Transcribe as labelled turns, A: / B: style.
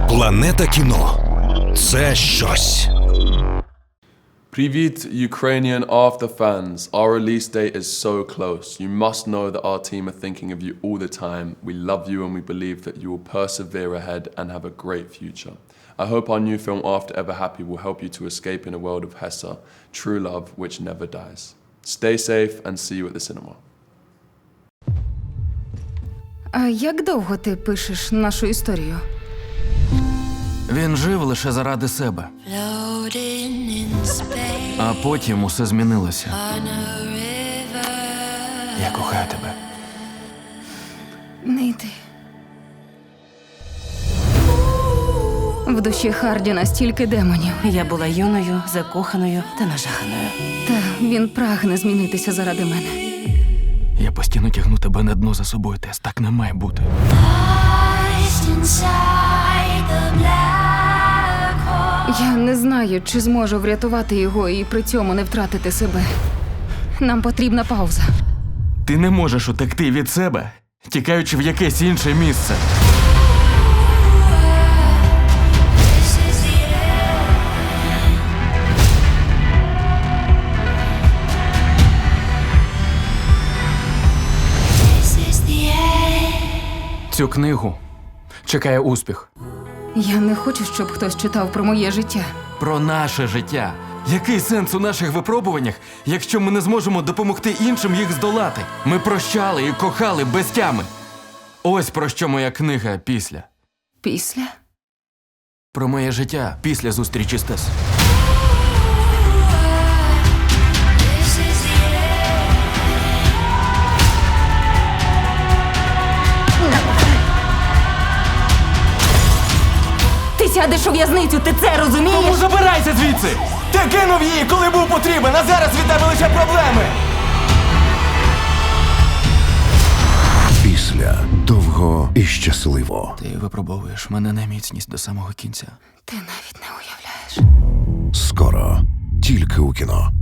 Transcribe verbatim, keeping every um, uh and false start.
A: Планета кіно – це щось.
B: Привit, Ukrainian after fans. Our release date is so close. You must know that our team are thinking of you all the time. We love you and we believe that you will persevere ahead and have a great future. I hope our new film After Ever Happy will help you to escape in a world of Hessa, true love which never dies. Stay safe and see you at the cinema.
C: А як довго ти пишеш нашу історію?
D: Він жив лише заради себе. А потім усе змінилося. Я кохаю тебе.
C: Не йди. В душі Хардіна стільки демонів.
E: Я була юною, закоханою та нажаханою.
C: Та він прагне змінитися заради мене.
D: Я постійно тягну тебе на дно за собою, Тес. Так не має бути.
C: Я не знаю, чи зможу врятувати його і при цьому не втратити себе. Нам потрібна пауза.
D: Ти не можеш утекти від себе, тікаючи в якесь інше місце. Цю книгу чекає успіх.
C: Я не хочу, щоб хтось читав про моє життя.
D: Про наше життя. Який сенс у наших випробуваннях, якщо ми не зможемо допомогти іншим їх здолати? Ми прощали і кохали без тями. Ось про що моя книга «Після».
C: Після?
D: Про моє життя після зустрічі з Тес.
C: Ти сядеш у в'язницю, ти це розумієш?
D: Тому забирайся звідси! Ти кинув її, коли був потрібен, а зараз від тебе лише проблеми!
A: Після довго і щасливо.
D: Ти випробовуєш мене на міцність до самого кінця.
C: Ти навіть не уявляєш.
A: Скоро тільки у кіно.